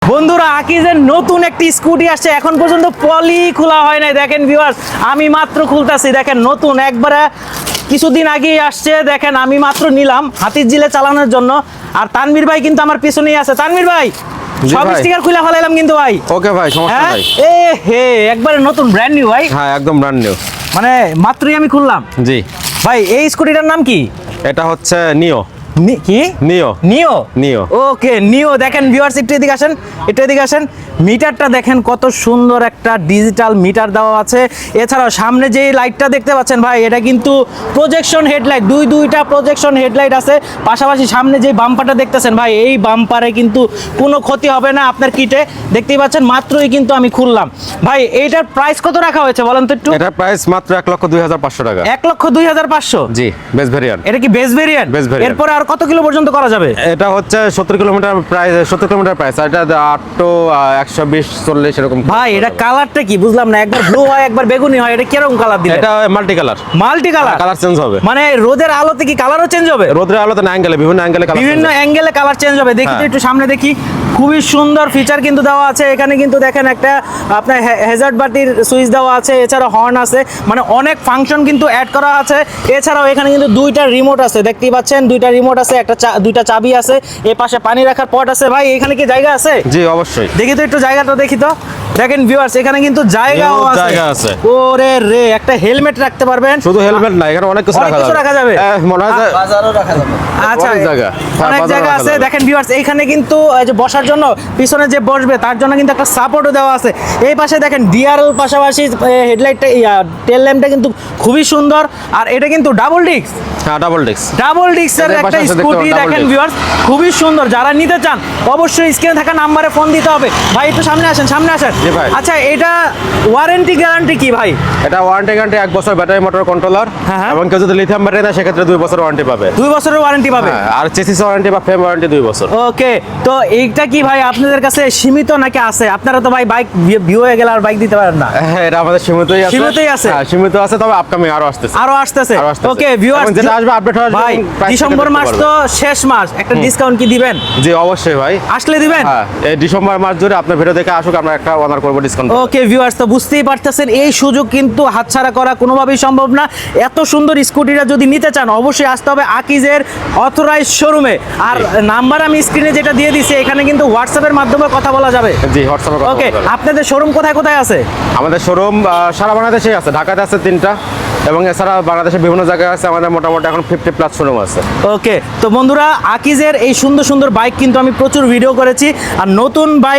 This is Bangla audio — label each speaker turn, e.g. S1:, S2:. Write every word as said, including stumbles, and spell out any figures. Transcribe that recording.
S1: বন্ধুরা আকিজের নতুন একটি স্কুটি আসছে, এখন পর্যন্ত পলি খোলা হয় নাই। দেখেন ভিউয়ার্স, আমি মাত্র খুলতাছি। দেখেন নতুন একবারে কিছুদিন আগেই আসছে। দেখেন আমি মাত্র নিলাম হাতির জিলে চালানোর জন্য। আর তানভীর ভাই কিন্তু আমার পিছনেই আছে। তানভীর ভাই সব স্টিকার খুলে ফেলাইলাম কিন্তু ভাই।
S2: ওকে ভাই, সমস্যা নাই।
S1: এ হে একবারে নতুন ব্র্যান্ড নিউ ভাই।
S2: হ্যাঁ একদম ব্র্যান্ড নিউ,
S1: মানে মাত্রই আমি খুললাম।
S2: জি
S1: ভাই এই স্কুটিটার নাম কি?
S2: এটা হচ্ছে নিও।
S1: নি- কি
S2: নিও
S1: নিও
S2: নিও
S1: ওকে নিও। দেখেন ভিউয়ার্স, একটু এদিকে আসেন, একটু এদিকে আসেন। মিটারটা দেখেন কত সুন্দর একটা ডিজিটাল মিটার দেওয়া আছে। এছাড়াও সামনে যে লাইটটা দেখতে পাচ্ছেন ভাই, এটা কিন্তু প্রজেকশন হেডলাইট, দুই দুইটা প্রজেকশন হেডলাইট আছে। পাশাপাশি সামনে যে বাম্পারটা দেখতেছেন ভাই, এই বাম্পারে কিন্তু কোনো ক্ষতি হবে না আপনার কিটে। দেখতেই পাচ্ছেন মাত্রই কিন্তু আমি খুললাম। ভাই এইটার প্রাইস কত রাখা হয়েছে বলেন তো একটু?
S2: এটা প্রাইস মাত্র এক লক্ষ দুই হাজার পাঁচশো টাকা।
S1: এক লক্ষ দুই হাজার পাঁচশো।
S2: জি, বেস ভেরিয়েন্ট।
S1: এটা কি বেস ভেরিয়েন্ট?
S2: Base variant।
S1: এরপরে আর কত কিলো পর্যন্ত করা যাবে?
S2: এটা হচ্ছে সত্তর কিলোমিটার প্রাইস, সত্তর কিলোমিটার প্রাইস। আর এটা আট তো একশো বিশ চল্লিশ এরকম।
S1: ভাই এটা কালারটা কি বুঝলাম না, একবার ব্লু হয় একবার বেগুনি হয়, এটা কিরকম কালার দিলে?
S2: এটা multi colour.
S1: Multi colour.
S2: Colour change হবে,
S1: মানে রোদের আলোতে কি কালারও চেঞ্জ হবে?
S2: রোদের আলোতে না, অ্যাঙ্গেলে, বিভিন্ন অ্যাঙ্গেলে কালার,
S1: বিভিন্ন অ্যাঙ্গেলে কালার চেঞ্জ হবে। দেখি তো
S2: হ্যাঁ।
S1: একটু সামনে দেখি। খুবই সুন্দর ফিচার কিন্তু দেওয়া আছে এখানে। কিন্তু দেখেন একটা আপনার হ্যাজার্ড বাতির সুইচ দেওয়া আছে, এছাড়া হর্ন আছে, মানে অনেক ফাংশন কিন্তু অ্যাড করা আছে। এছাড়াও এখানে কিন্তু দুইটা রিমোট আছে, দেখতেই পাচ্ছেন দুইটা রিমোট আছে, একটা চা- দুইটা চাবি আছে, এ পাশে পানি রাখার পট আছে। ভাই এখানে কি জায়গা আছে?
S2: জি অবশ্যই।
S1: দেখি তো একটু জায়গাটা দেখি তো। দেখেন ভিউয়ার্স, এখানে কিন্তু জায়গাও
S2: Huge
S1: আছে।
S2: জায়গা আছে।
S1: ওরে রে, একটা হেলমেট রাখতে পারবেন।
S2: শুধু হেলমেট না, এখানে অনেক কিছু
S1: অনেক
S2: রাখা
S1: কিছু
S2: যাবে।
S1: রাখা যাবে।
S2: এ, মনে হয় যে
S3: বাজারও রাখা যাবে।
S1: আচ্ছা,
S2: অনেক জায়গা। হ্যাঁ,
S1: অনেক
S2: বাজারও
S1: জায়গা
S2: রাখা
S1: আছে।
S2: যাবে।
S1: দেখেন ভিউয়ার্স, এইখানে কিন্তু এই যে বসার জন্য পিছনে যে বসবে তার জন্য কিন্তু একটা সাপোর্টও দেওয়া আছে। এই পাশে দেখেন ডিআরএল, পাশাপাশি হেডলাইটটা, টেল ল্যাম্পটা কিন্তু খুবই সুন্দর। আর এটা কিন্তু ডাবল ডিস্ক,
S2: হ্যাঁ ডাবল ডিস্ক।
S1: ডাবল ডিস্কের
S2: এদের
S1: একটা
S2: পাশে আছে, দেখতে
S1: স্কুটি।
S2: পাবেন, double
S1: দেখেন
S2: disc।
S1: ভিউয়ার্স, খুবই সুন্দর। যারা নিতে চান অবশ্যই স্ক্রিনে থাকা নাম্বারে ফোন দিতে হবে। ভাই একটু সামনে আসেন, সামনে আসেন।
S2: জি ভাই।
S1: আচ্ছা, এটা ওয়ারেন্টি গ্যারান্টি কি ভাই?
S2: এটা ওয়ারেন্টি গ্যারান্টি এক বছর ব্যাটারি মোটর কন্ট্রোলার,
S1: হ্যাঁ, হ্যাঁ।
S2: এবং কেউ যদি লিথিয়াম ব্যাটারি দেয় সেক্ষেত্রে দুই বছর ওয়ারেন্টি পাবে।
S1: দুই বছরের ওয়ারেন্টি পাবে।
S2: হ্যাঁ, আর চেসিস ওয়ারেন্টি বা ফ্রেম ওয়ারেন্টি দুই বছর।
S1: ওকে, তো এইটা কি ভাই আপনাদের কাছে সীমিত নাকি আছে? আপনারা তো ভাই বাইক ভিউ হয়ে গেলে আর বাইক দিতে পারেন না।
S2: হ্যাঁ, এটা আমাদের সীমিতই আছে।
S1: সীমিতই আছে?
S2: হ্যাঁ, সীমিত আছে, তবে আপকামিং আরো আসতেছে।
S1: আরো আসতেছে।
S2: আরো আসতেছে।
S1: ওকে ভিউয়ার্স,
S2: এবং যেটা আসবে আপডেট হওয়ার
S1: ভাই ডিসেম্বর মাস তো শেষ মাস, একটা ডিসকাউন্ট কি দিবেন?
S2: জি অবশ্যই ভাই,
S1: আসলে দিবেন?
S2: হ্যাঁ এই ডিসেম্বর মাস জুড়ে আপনার ভিডিও দেখে আসুক, আমরা একটা অনার করবো ডিসকাউন্ট।
S1: ওকে ভিউয়ার্স, তো বুঝতেই পারতেছেন এই সুযোগ কিন্তু হাতছাড়া করা কোনোভাবেই সম্ভব না। এত সুন্দর স্কুটিটা যদি নিতে চান অবশ্যই আসতে হবে আকিজের অথরাইজ শোরুমে। আর নাম্বার আমি স্ক্রিনে যেটা দিয়ে দিছি, এখানে কিন্তু হোয়াটসঅ্যাপের মাধ্যমে কথা বলা যাবে।
S2: জি হোয়াটসঅ্যাপে কথা
S1: ওকে,
S2: বলতে হবে।
S1: আপনাদের শোরুম কোথায় কোথায় আছে?
S2: আমাদের শোরুম সারা বাংলাদেশেই আছে, ঢাকাতে আছে তিনটা, এবং এছাড়া বাংলাদেশের বিভিন্ন জায়গায় আছে। আমাদের মোটামুটি এখন ফিফটি প্লাস শোরুম আছে।
S1: ওকে, তো বন্ধুরা আকিজের এই সুন্দর সুন্দর বাইক কিন্তু আমি প্রচুর ভিডিও করেছি। আর নতুন বাইক